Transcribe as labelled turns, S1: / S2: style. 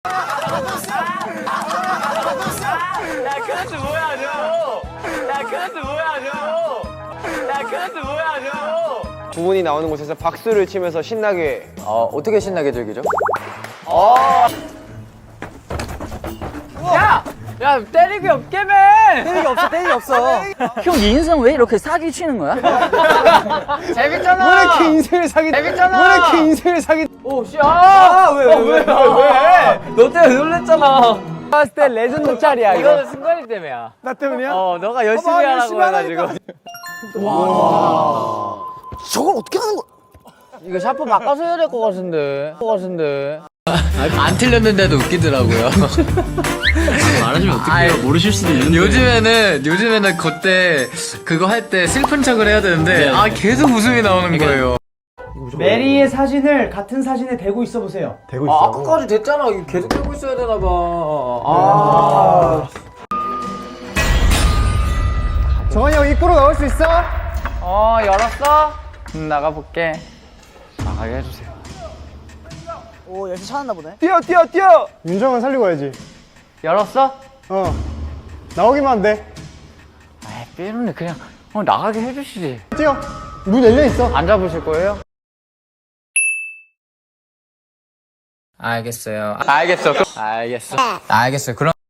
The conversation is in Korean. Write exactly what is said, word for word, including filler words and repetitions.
S1: 야 클래스 뭐야 저? 야 클래스 뭐야 저? 야 클래스 뭐야 저?
S2: 두 분이 나오는 곳에서 박수를 치면서 신나게.
S3: 어, 어떻게 신나게 즐기죠?
S1: 야! 야 때리기 없게매!
S3: 때리기 없어, 때리기 없어.
S4: 형 인생 왜 이렇게 사기 치는 거야?
S1: 재밌잖아!
S2: 왜 이렇게 인생을 사기?
S1: 재밌잖아!
S2: 왜 이렇게 인생을 사기?
S1: 오 씨! 아! 왜, 왜, 왜, 왜?
S4: 너 때문에 놀랬잖아.
S2: 봤을 때 레전드 짤이야 이거.
S1: 이거는 승관이 때문이야.
S2: 나 때문이야?
S1: 어, 너가 열심히
S2: 어, 나
S1: 하라고
S2: 열심히
S1: 해가지고.
S3: 저걸 어떻게 하는 거야?
S1: 이거 샤프 바꿔서 해야 될 것 같은데. 것 같은데.
S5: 안 틀렸는데도 웃기더라고요. 말하시면 어떡해요? 모르실 수도 있는데. 요즘에는 요즘에는 그때 그거 할 때 슬픈 척을 해야 되는데 아 계속 웃음이 나오는 거예요.
S6: 메리의 사진을 같은 사진에 대고 있어 보세요.
S2: 되고
S3: 아, 아까까지 됐잖아. 이거 계속 들고 있어야 되나 봐. 아.
S2: 정한이 형 입구로 나올 수 있어?
S1: 어, 열었어? 음, 나가볼게. 나가게 해주세요.
S3: 오, 열심히 찾았나 보네.
S2: 뛰어 뛰어 뛰어. 윤정은 살리고 가야지.
S1: 열었어?
S2: 어. 나오기만 하면 돼.
S1: 에이, 삐루는 그냥 어, 나가게 해주시지.
S2: 뛰어. 문 열려 있어.
S1: 안 잡으실 거예요?
S5: 알겠어요.
S1: 알겠어. 알겠어.
S5: 알겠어요. 그럼